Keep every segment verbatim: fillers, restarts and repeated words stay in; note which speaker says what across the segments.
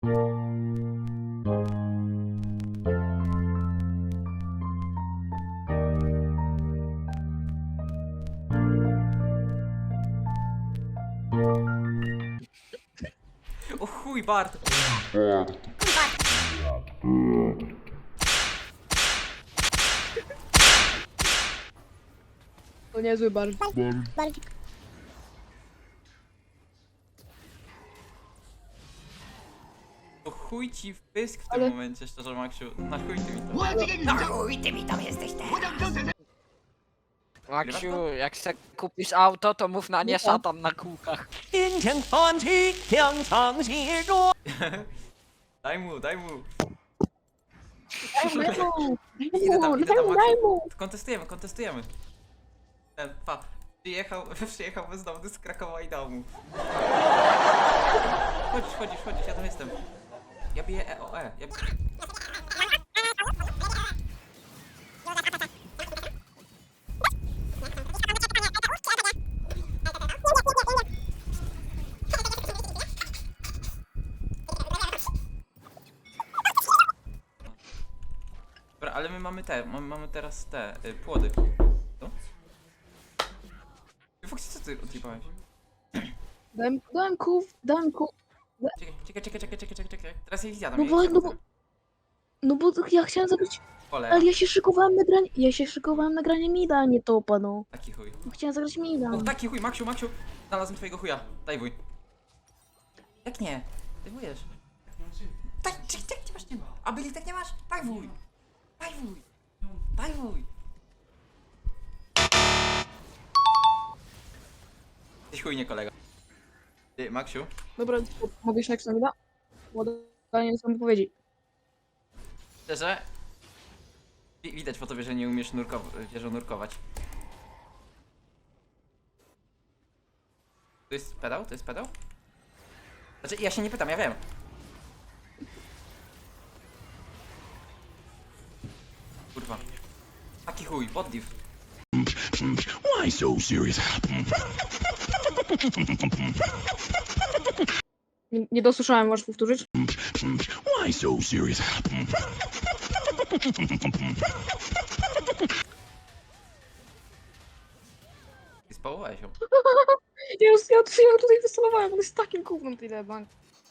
Speaker 1: O chuj, Bart!
Speaker 2: To niezły bar.
Speaker 1: O chuj ci w pysk w tym
Speaker 2: Ale-
Speaker 1: momencie, szczerze, Maksiu. Na chuj ty mi to.
Speaker 3: Na chuj ty mi tam jesteś teraz!
Speaker 4: Maksiu, jak se kupisz auto, to mów na nie
Speaker 2: No tak.
Speaker 4: szatan na kółkach.
Speaker 1: Daj mu, daj mu.
Speaker 2: Daj mu,
Speaker 1: Idę tam, idę
Speaker 2: daj
Speaker 1: tam,
Speaker 2: mu,
Speaker 1: Maksiu.
Speaker 2: daj mu.
Speaker 1: Kontestujemy, kontestujemy. Ten, pa. Przyjechał, przyjechał bezdomny z Krakowa i dał mu. Chodzisz, chodzisz, chodzisz, ja tam jestem. Ja biję E O E. Ja... Dobra, ale my mamy te, mamy, mamy teraz te, y, płody. Co? Foxy, co ty odjebałeś?
Speaker 2: Dałem, dałem ków, dałem ków.
Speaker 1: Czekaj, czekaj, czekaj, czekaj, czekaj, czekaj, czekaj. Teraz ja ich zjadam,
Speaker 2: No
Speaker 1: ja
Speaker 2: bo,
Speaker 1: ich
Speaker 2: no bo,
Speaker 1: zjadam.
Speaker 2: no bo ja chciałem zagrać,
Speaker 1: Cholera,
Speaker 2: ale ja się szykowałem na granie, ja się szykowałem na granie mida, a nie topa, no.
Speaker 1: taki chuj.
Speaker 2: Chciałem zagrać mida.
Speaker 1: O, taki chuj, Maksiu, Maksiu, znalazłem twojego chuja. Daj wuj. Jak nie? Dajwujesz. Daj, czekaj, czekaj, nie masz, nie ma. A byli tak nie masz? Daj wuj. Daj wuj. Daj wuj. Jesteś chujnie, kolega. Ty, Maksiu,
Speaker 2: Dobra, mogę iść next na mida? Ładanie są wypowiedzi.
Speaker 1: szczerze, wi- widać po tobie, że nie umiesz nurkow- wieżą nurkować. To jest pedał? To jest pedał? Znaczy, ja się nie pytam, ja wiem. Kurwa. Taki chuj, poddiv.
Speaker 5: Why so serious?
Speaker 2: Nie, nie dosłyszałem, możesz powtórzyć?
Speaker 5: Why so serious?
Speaker 1: I spałowałeś ją.
Speaker 2: Ja, już- ja, ja tutaj wystalowałem, on jest takim gównem tyle bank.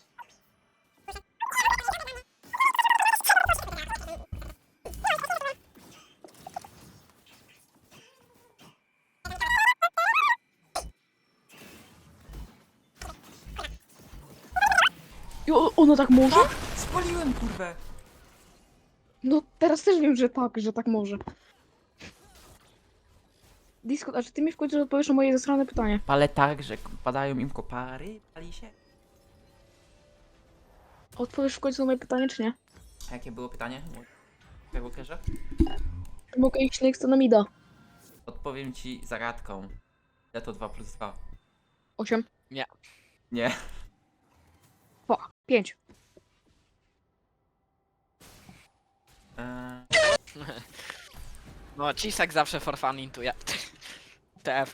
Speaker 2: I o- ona tak może?
Speaker 1: Spaliłem, kurwę!
Speaker 2: No teraz też wiem, że tak, że tak może. Discord, a czy ty mi w końcu odpowiesz na moje zasrane pytanie?
Speaker 1: Palę tak, że padają im kopary, pali się.
Speaker 2: Odpowiesz w końcu na moje pytanie, czy nie?
Speaker 1: A jakie było pytanie? Skywalkerze?
Speaker 2: Czy mogę iść next na mida?
Speaker 1: Odpowiem ci zagadką. Ja to dwa plus dwa.
Speaker 2: osiem.
Speaker 1: Nie.
Speaker 2: dwa. pięć.
Speaker 1: Eee,
Speaker 4: No, Cisek zawsze for fun intuje. T F.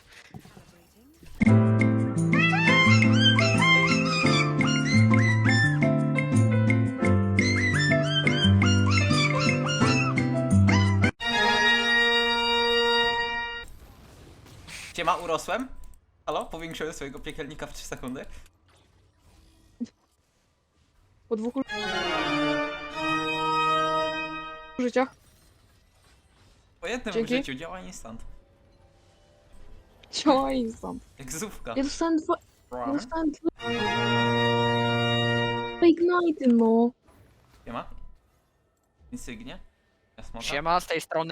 Speaker 1: Siema, urosłem? Halo? Powiększyłem swojego piekielnika w trzy sekundy?
Speaker 2: Po dwóch życiach.
Speaker 1: Po jednym
Speaker 2: Dzięki.
Speaker 1: życiu działa instant.
Speaker 2: Działa instant.
Speaker 1: Jak zówka.
Speaker 2: Ja dostałem dwa... Ja dostałem dwa... Ignite, no.
Speaker 1: Siema? Insygnie? Jasmota?
Speaker 4: Siema, z tej strony.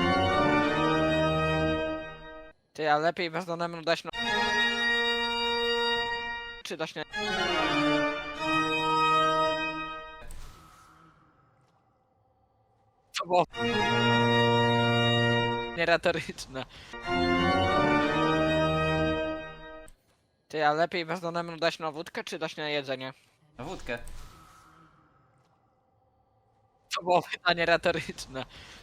Speaker 4: Ty, a lepiej bezdomnemu dać no... Czy dać nie... Co było? Nieretoryczne. Ty, a lepiej bezdomnemu dać na wódkę, czy dać na jedzenie?
Speaker 1: Na wódkę.
Speaker 4: To było pytanie retoryczne.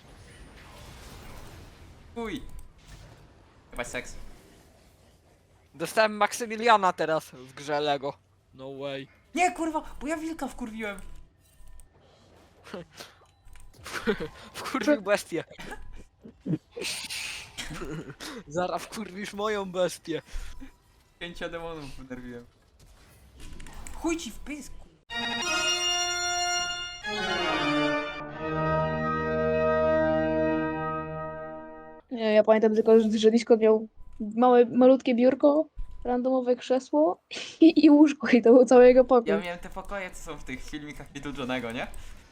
Speaker 1: Uj. Chyba seks.
Speaker 4: Dostałem Maksymiliana teraz w grze Lego. No way.
Speaker 1: Nie, kurwa, bo ja wilka wkurwiłem.
Speaker 4: Wkurwił bestię. Zara wkurwisz moją bestię.
Speaker 1: Pięcia demonów wynerwiłem. Chuj ci w pysku.
Speaker 2: Nie, ja pamiętam tylko, że że Discord miał małe, malutkie biurko, randomowe krzesło i, i łóżko i to był cały jego pokój.
Speaker 1: Ja miałem te pokoje, co są w tych filmikach Little Johnego, nie?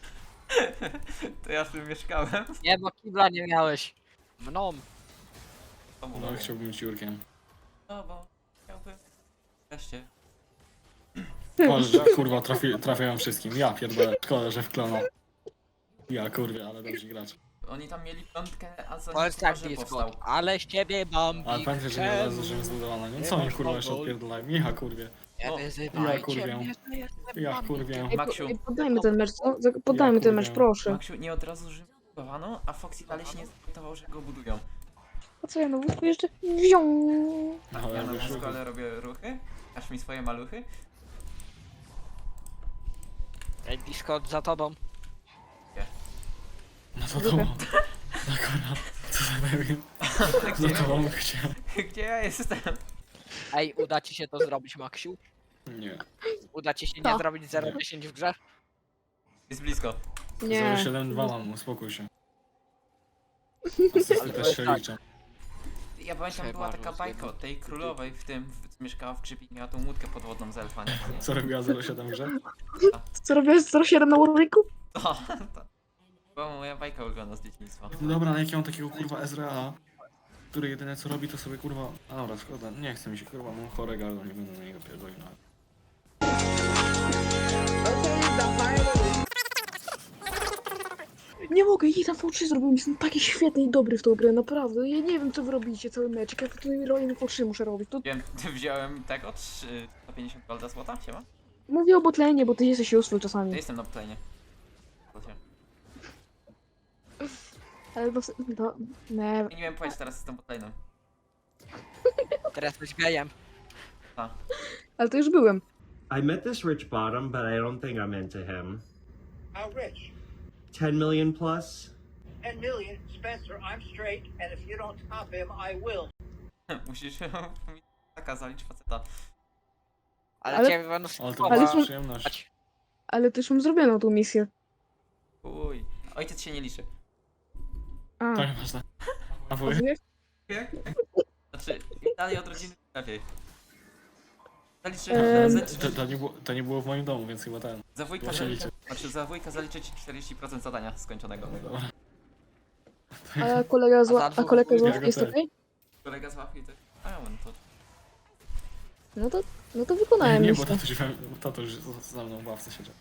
Speaker 1: To ja w tym mieszkałem.
Speaker 4: Nie, bo kibla nie miałeś. Mną.
Speaker 1: To było.
Speaker 6: No chciałbym być Jurkiem.
Speaker 1: No bo chciałbym. Wreszcie.
Speaker 6: Boże, kurwa, trafi, trafiają wszystkim. Ja pierdolę, szkoda, że wkloną. Ja kurwa, ale dobrzy gracz.
Speaker 1: Oni tam mieli piątkę, a za
Speaker 4: Powiedz tak,
Speaker 1: że
Speaker 4: Discord.
Speaker 1: powstał.
Speaker 4: Ale z ciebie bombi.
Speaker 6: Ale pamiętaj, że nie od razu, że jest zbudowana. Nie, co oni kurwa jeszcze odpierdolają? Ja kurwie.
Speaker 4: Nie
Speaker 1: O,
Speaker 4: wyzywajcie
Speaker 6: ja kurwię.
Speaker 4: mnie, że jestem
Speaker 6: Ja
Speaker 4: bombi.
Speaker 6: kurwię.
Speaker 2: Ej, po,
Speaker 1: Maksiu.
Speaker 2: ej, poddajmy ten mecz, co? Za- Poddajmy ten mecz,
Speaker 6: kurwię.
Speaker 2: proszę.
Speaker 1: Maksiu nie od razu Rzym budowano, a Foxy dalej się nie zorientował, że go budują.
Speaker 2: A co ja na wózku jeszcze? Wziął.
Speaker 6: No,
Speaker 1: Ja
Speaker 6: ja
Speaker 1: na
Speaker 6: już
Speaker 1: wózku, ale robię ruchy. Aż mi swoje maluchy.
Speaker 4: Ej, Discord za tobą.
Speaker 6: No to to. No kurwa, co za debil. No to mam chciał.
Speaker 1: Gdzie ja jestem?
Speaker 4: Ej, uda ci się to zrobić, Maksiu?
Speaker 6: Nie.
Speaker 4: Uda ci się nie
Speaker 2: Co?
Speaker 4: zrobić zero dziesięć w grze?
Speaker 1: Jest blisko.
Speaker 2: Nie.
Speaker 6: zero siedem dwa mam, uspokój się.
Speaker 4: Ale
Speaker 6: Asysty
Speaker 4: to
Speaker 6: też
Speaker 4: jest
Speaker 6: się
Speaker 4: tak.
Speaker 6: liczą.
Speaker 1: Ja pamiętam,
Speaker 4: Trzeba
Speaker 1: była taka
Speaker 4: rozjebać.
Speaker 1: bajka o tej królowej w tym, w, co mieszkała w Grzybi i miała tą łódkę podwodną z elfa, nie?
Speaker 6: Co robiła zero siedem w grze?
Speaker 2: Co robiłeś zero siedem na Warwicku?
Speaker 1: To, to była moja bajka ulubiona z dzieciństwa.
Speaker 6: No dobra, ale jak ja mam takiego kurwa Ezreala, który jedyne co robi to sobie kurwa... A dobra, szkoda, nie chce mi się kurwa, mam chore gardło, nie będę na niego pierdolił nawet.
Speaker 2: Nie mogę, jej tam V trzy zrobił, jestem taki świetny i dobry w tą grę, naprawdę. Ja nie wiem, co wy robicie cały mecz, ja tutaj rolę V trzy muszę robić. To
Speaker 1: Wiem, wziąłem tego, trzy- sto pięćdziesiąt golda złota, siema?
Speaker 2: mówię o botlane, bo ty jesteś useful
Speaker 1: Ja
Speaker 2: czasami.
Speaker 1: jestem na planie.
Speaker 2: Ale to... to nie...
Speaker 1: Ja nie wiem powiedzieć, teraz jestem botlane'em.
Speaker 4: Teraz jesteś gejem.
Speaker 2: Ale to już byłem.
Speaker 7: I met this rich bottom, but I don't think I'm into him.
Speaker 3: How rich?
Speaker 7: ten million plus?
Speaker 3: Ten million? Spencer, I'm straight, and if you don't top him, I will.
Speaker 1: Musisz mi taka zalić faceta.
Speaker 4: Ale,
Speaker 2: Ale-
Speaker 4: ciebie będą
Speaker 6: Ale to
Speaker 2: Ale
Speaker 6: była
Speaker 2: są-
Speaker 6: przyjemność.
Speaker 2: Ale też mam zrobioną tą misję.
Speaker 1: Uj. Ojciec się nie liczy.
Speaker 2: A,
Speaker 6: To nieważne. A
Speaker 2: a
Speaker 6: wuj?
Speaker 2: wy?
Speaker 1: Znaczy, im dalej od rodziny, tym lepiej. Zaliczy,
Speaker 2: Em.
Speaker 1: zaliczy,
Speaker 6: To, to, nie było, to nie było w moim domu, więc chyba ten.
Speaker 1: za wujka
Speaker 6: to się
Speaker 1: zaliczy,
Speaker 6: liczy.
Speaker 1: znaczy za wujka zaliczę ci czterdzieści procent zadania skończonego.
Speaker 2: A kolega zła... A kolega zła
Speaker 6: Ja
Speaker 2: jest
Speaker 6: też.
Speaker 2: okej?
Speaker 1: Kolega z łapki to... A on to...
Speaker 2: No to... No to
Speaker 6: Nie,
Speaker 2: wykonałem
Speaker 6: nie, bo
Speaker 2: misję.
Speaker 6: tato już, tato już za mną w ławce siedział.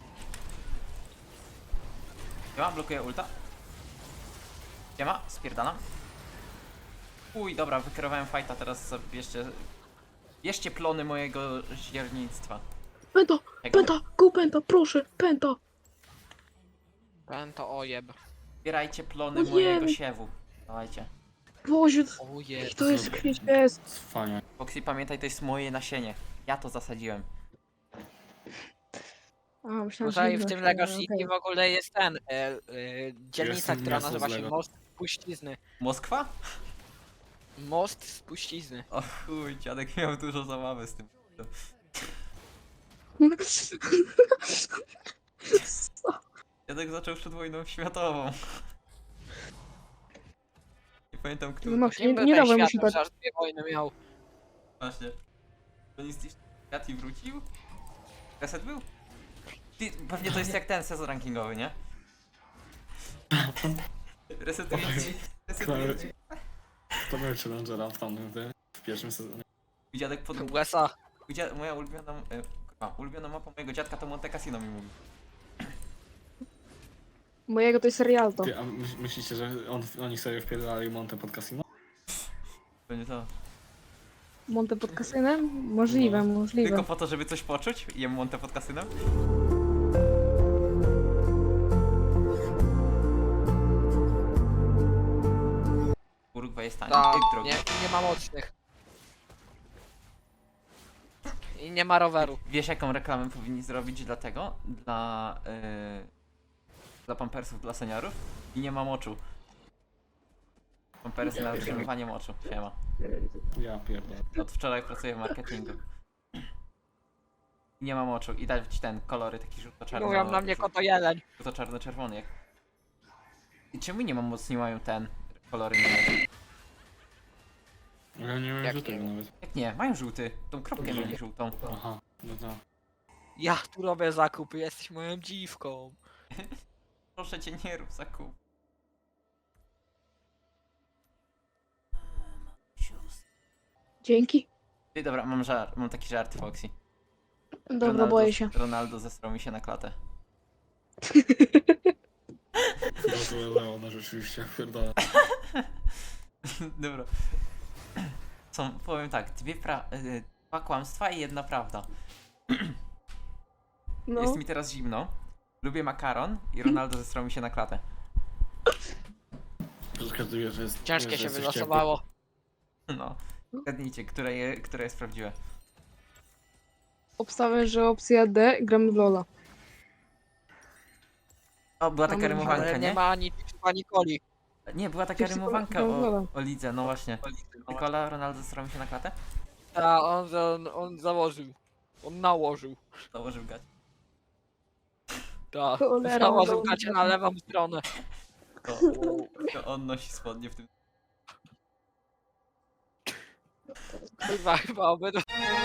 Speaker 1: Siema, blokuję ulta. Siema, spierdalam. Uj, dobra, wykierowałem fajta, teraz sobie bierzcie... Bierzcie plony mojego źiernictwa.
Speaker 2: Penta!
Speaker 1: Czego?
Speaker 2: Penta! Go penta! Proszę! Penta!
Speaker 4: Ten to ojeb.
Speaker 1: Zbierajcie plony
Speaker 2: No
Speaker 1: mojego
Speaker 2: wiem.
Speaker 1: siewu. Dawajcie.
Speaker 2: Boże,
Speaker 4: Ojeb.
Speaker 2: to jest kwieć, jest.
Speaker 6: Fajnie.
Speaker 1: Foxy, pamiętaj, to jest moje nasienie. Ja to zasadziłem.
Speaker 2: A, myślałem,
Speaker 4: Tutaj
Speaker 2: że
Speaker 4: w tym
Speaker 2: inne,
Speaker 4: Lego
Speaker 2: okej.
Speaker 4: City w ogóle jest ten, e, e, dzielnica,
Speaker 6: Jestem
Speaker 4: która
Speaker 6: miasto z
Speaker 4: nazywa się
Speaker 6: Lego.
Speaker 4: Most Spuścizny.
Speaker 1: Moskwa?
Speaker 4: Most Spuścizny.
Speaker 1: O chuj, dziadek miał dużo zabawy z tym.
Speaker 2: Co?
Speaker 1: Dziadek zaczął przed wojną światową. Nie pamiętam, który.
Speaker 2: No Max, nie,
Speaker 4: Kim by
Speaker 2: nie
Speaker 4: ten
Speaker 2: dawaj mu
Speaker 4: świat
Speaker 2: się tak.
Speaker 4: że aż dwie wojny miał?
Speaker 1: Właśnie. To nie zniszczył świat i wrócił? Reset był? Ty, pewnie to jest jak ten sezon rankingowy, nie? Resetujący. Resetujący.
Speaker 6: To był Challengera w tamtym, tym, w pierwszym sezonie.
Speaker 1: Mój dziadek pod...
Speaker 4: U S A.
Speaker 1: mój dzia- Moja ulubiona... E, kurwa, ulubiona mapa mojego dziadka to Monte Cassino mi mówi.
Speaker 2: Mojego to jest Rialto.
Speaker 6: Ty, a myśl- myślicie, że on, oni sobie wpierdalali Monte pod casino?
Speaker 1: To nie to.
Speaker 2: Monte pod kasynem? Możliwe,
Speaker 6: No.
Speaker 2: możliwe.
Speaker 1: Tylko po to, żeby coś poczuć? Jem Monte pod kasynem? Urugwaj jest tani.
Speaker 4: Ta,
Speaker 1: Ej, drogi.
Speaker 4: nie, nie ma mocnych. I I nie ma roweru.
Speaker 1: Wiesz jaką reklamę powinni zrobić dla tego? Dla... Yy, dla pampersów dla seniorów? I nie ma moczu. Pampersy na utrzymywanie moczu. Siema.
Speaker 6: Ja pierdolę.
Speaker 1: Od wczoraj pracuję w marketingu. I nie ma moczu. I dać ten kolory taki żółto-czarno...
Speaker 4: Mówią na mnie koto jeleń.
Speaker 1: żółto-czarno-czerwony jak... I czemu nie mam mocni mają ten kolory nie mają?
Speaker 6: Ja nie wiem,
Speaker 4: Jak
Speaker 6: że tego
Speaker 4: nie?
Speaker 6: nawet.
Speaker 1: Jak nie? Mają żółty. Tą kropkę
Speaker 6: Dobrze.
Speaker 1: mieli żółtą.
Speaker 6: Aha, no tak.
Speaker 4: Ja tu robię zakupy, jesteś moją dziwką.
Speaker 1: Proszę cię, nie rób zakup.
Speaker 2: Dzięki.
Speaker 1: Ej, dobra, mam żart, mam taki żart, Foxy.
Speaker 2: Dobra,
Speaker 1: Ronaldo,
Speaker 2: boję się.
Speaker 1: Ronaldo zesrał mi się na klatę.
Speaker 6: Gratuluję Leona, rzeczywiście, pierdolę.
Speaker 1: Dobra. Są, powiem tak, dwie pra... y, dwa kłamstwa i jedna prawda.
Speaker 2: No.
Speaker 1: Jest mi teraz zimno. Lubię makaron i Ronaldo zesrał mi się na klatę.
Speaker 6: Zgaduję, że jest...
Speaker 4: Ciężkie
Speaker 6: że
Speaker 4: się
Speaker 6: jesteś
Speaker 4: wylosowało.
Speaker 1: No. Zgadnijcie, które, je, które jest prawdziwe.
Speaker 2: Obstawiam, że opcja D, gramy w Lola.
Speaker 1: O, była taka
Speaker 2: Mamy
Speaker 1: rymowanka,
Speaker 4: Ale
Speaker 1: nie?
Speaker 4: nie ma ani ani Coli.
Speaker 1: Nie, była taka
Speaker 2: Wszyscy
Speaker 1: rymowanka
Speaker 2: kochają
Speaker 1: o, o lidze, no właśnie. Nikola, Ronaldo zesrał mi się na klatę?
Speaker 4: Ta, on, on, on założył. On nałożył.
Speaker 1: Założył gać.
Speaker 4: Ta,
Speaker 2: Cholera,
Speaker 4: założył
Speaker 2: no.
Speaker 4: gacie na lewą stronę.
Speaker 1: To, to on nosi spodnie w tym.
Speaker 4: Chyba, chyba obydwa.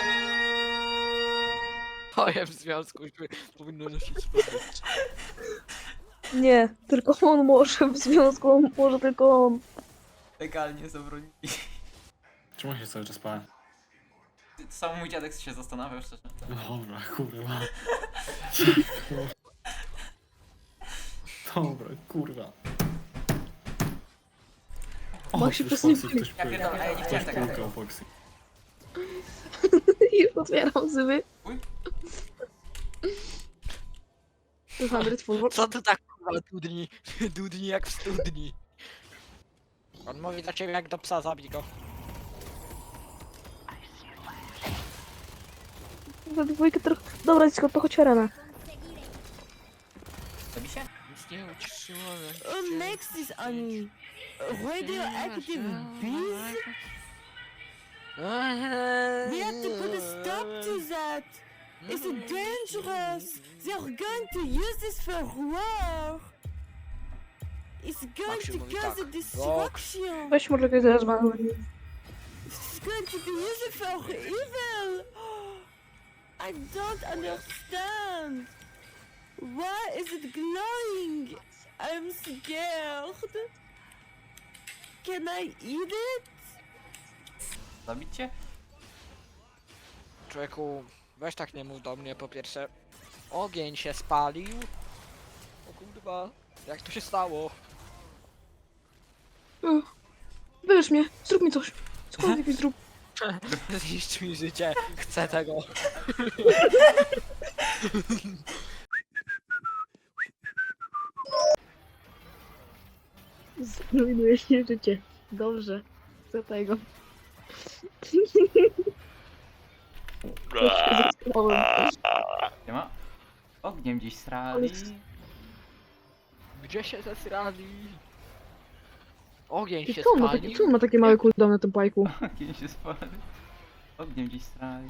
Speaker 4: Moje w związku już powinno nosić spodnie.
Speaker 2: Nie, tylko on może w związku, on może tylko on.
Speaker 1: Legalnie zabronili.
Speaker 6: Czemu się cały czas pałem?
Speaker 1: Sam mój dziadek się zastanawiał szczerze.
Speaker 6: Dobra, kurwa. Dobra, kurwa. O,
Speaker 2: Bo się
Speaker 6: już
Speaker 2: przesunęli.
Speaker 6: Foxy ktoś
Speaker 1: Ja
Speaker 6: pył-
Speaker 1: pierdolę, ej, nie
Speaker 6: ktoś
Speaker 1: chciałem tego.
Speaker 6: pukał, Foxy.
Speaker 2: Już otwieram zły.
Speaker 1: Uj.
Speaker 2: dwieście full.
Speaker 4: Co to tak kurwa dudni? Dudni jak w studni. On mówi do ciebie jak do psa, zabij go.
Speaker 2: Za dwójkę trochę. Dobra, dziecko, to chodź arena.
Speaker 1: Zabi się?
Speaker 4: Nic nie uciszyło.
Speaker 8: Who makes this on radioactive bees? We have to put a stop to that. It's dangerous. They are going to use this for war. It's going
Speaker 4: Maxi
Speaker 8: to
Speaker 4: mówi
Speaker 8: cause a
Speaker 4: tak.
Speaker 8: destruction.
Speaker 2: Weź może kogoś zaraz mam.
Speaker 8: It's going to be used for evil. I don't understand. Why is it glowing? I'm scared. Can I eat it?
Speaker 1: Zabić cię?
Speaker 4: Człowieku, weź tak nie mów do mnie po pierwsze. Ogień się spalił. O kurwa, jak to się stało?
Speaker 2: Wybierz mnie, zrób mi coś. Cokolwiek mi zrób.
Speaker 4: Zniszcz mi życie, chcę tego.
Speaker 2: Zrujnujesz mi życie. Dobrze. Chcę tego.
Speaker 1: Nie ma? Ogniem gdzieś srali.
Speaker 4: Gdzie się zesrali? Ogień
Speaker 2: I
Speaker 4: się
Speaker 2: co on ma takie,
Speaker 4: spalił.
Speaker 2: co on ma takie małe cooldown na tym pajku?
Speaker 1: Ogień się spali. Ogniem gdzieś srali.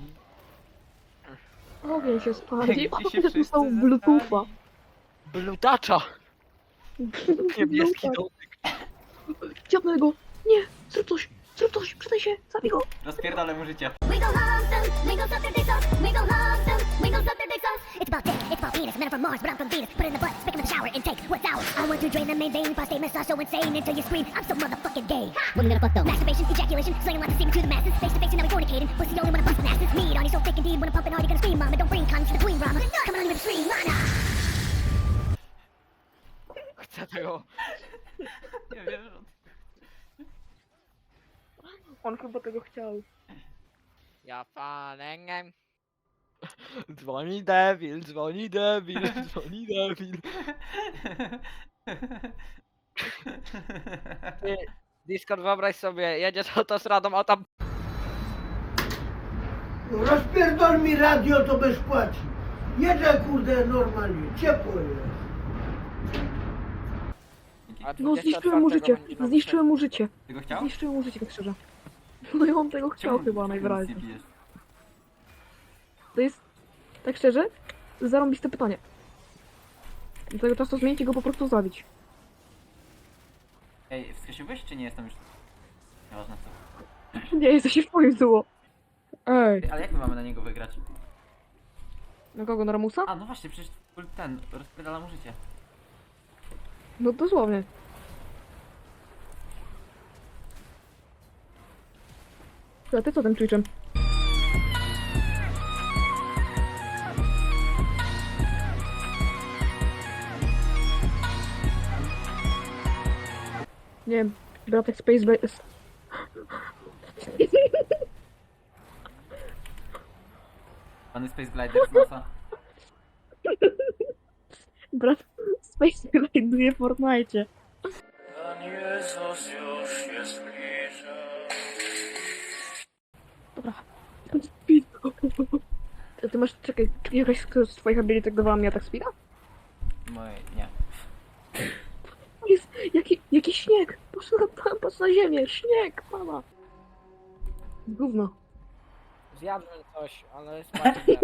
Speaker 2: Ogień się spali.
Speaker 1: Gdzie się
Speaker 2: On
Speaker 1: wszyscy
Speaker 2: dostał
Speaker 1: zesrali.
Speaker 2: bluetootha.
Speaker 4: Blutacza! Niebieski
Speaker 2: Bluetooth.
Speaker 4: dotyk.
Speaker 2: Chciałbym go. Nie, zrób coś. Zrób coś, przydaj się. Zabij go.
Speaker 1: Rozpierdolę mu życie.
Speaker 9: We go home soon, we go suck their dicks off. We go home soon, we go suck their dicks off. It's about dick, it's about penis. Men are from Mars, but I'm from Venus. Put it in the butt, stick in the shower, and take what's ours. I want to drain the main vein, prostate massage so insane until you scream. I'm so motherfucking gay. When you gonna fuck though? Masturbation, ejaculation, slinging lots of semen to the masses. Face to face and now we fornicating. Pussy only when I'm busting asses. Meat on you so thick indeed when I'm pumping hard, you gonna scream, mama. Don't bring condoms to the queen, mama. Come on, you with the stream, mana.
Speaker 4: Chcę tego.
Speaker 1: Nie wiem, że...
Speaker 2: On chyba tego chciał.
Speaker 4: Ja palengiem. Dzwoni debil, dzwoni debil, dzwoni debil. Ty, Discord, wyobraź sobie, jedziesz autostradą, a tam...
Speaker 3: Rozpierdol mi radio, to bez płaci. Jedę kurde normalnie, ciepło jest.
Speaker 4: A
Speaker 2: No zniszczyłem mu życie, zniszczyłem mu życie.
Speaker 1: Ty go chciał?
Speaker 2: Zniszczyłem mu życie, tak szczerze. No i on tego chciał
Speaker 1: Czemu-
Speaker 2: chyba
Speaker 1: czemu
Speaker 2: najwyraźniej.
Speaker 1: nic nie pijesz?
Speaker 2: To jest, tak szczerze, zarąbiste pytanie. Do tego czasu zmienić i go po prostu zabić.
Speaker 1: Ej, wskrzesiłeś czy nie jestem już? Nieważne co.
Speaker 2: Nie, jesteś w moim duo. Ej.
Speaker 1: Ej, ale jak my mamy na niego wygrać?
Speaker 2: Na kogo, na Ramusa?
Speaker 1: A, no właśnie, przecież ten rozpierdala mu życie.
Speaker 2: No dosłownie. A ty co tym Twitchem? Nie wiem, bratek Space Base...
Speaker 1: Pany Space Glider z NASA.
Speaker 2: Brat Space znajduje w Fortnite. Dobra. Speed. Ty, ty masz, czekaj, czy jakaś z twoich abilitek dawała mi atak speeda?
Speaker 1: Moje, nie.
Speaker 2: O jest, jaki, jaki śnieg! Patrz na, patrz na ziemię, śnieg, mama! Gówno.
Speaker 4: Zjadłem coś, ale spać nie.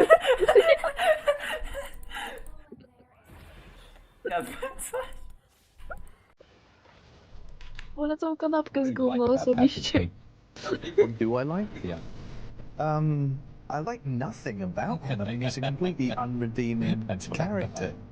Speaker 1: Jadłem coś.
Speaker 2: Wolę tą kanapkę z gówno osobiście.
Speaker 10: Do I like? Yeah. Um, I like nothing about him. I mean, he's a completely unredeemed character.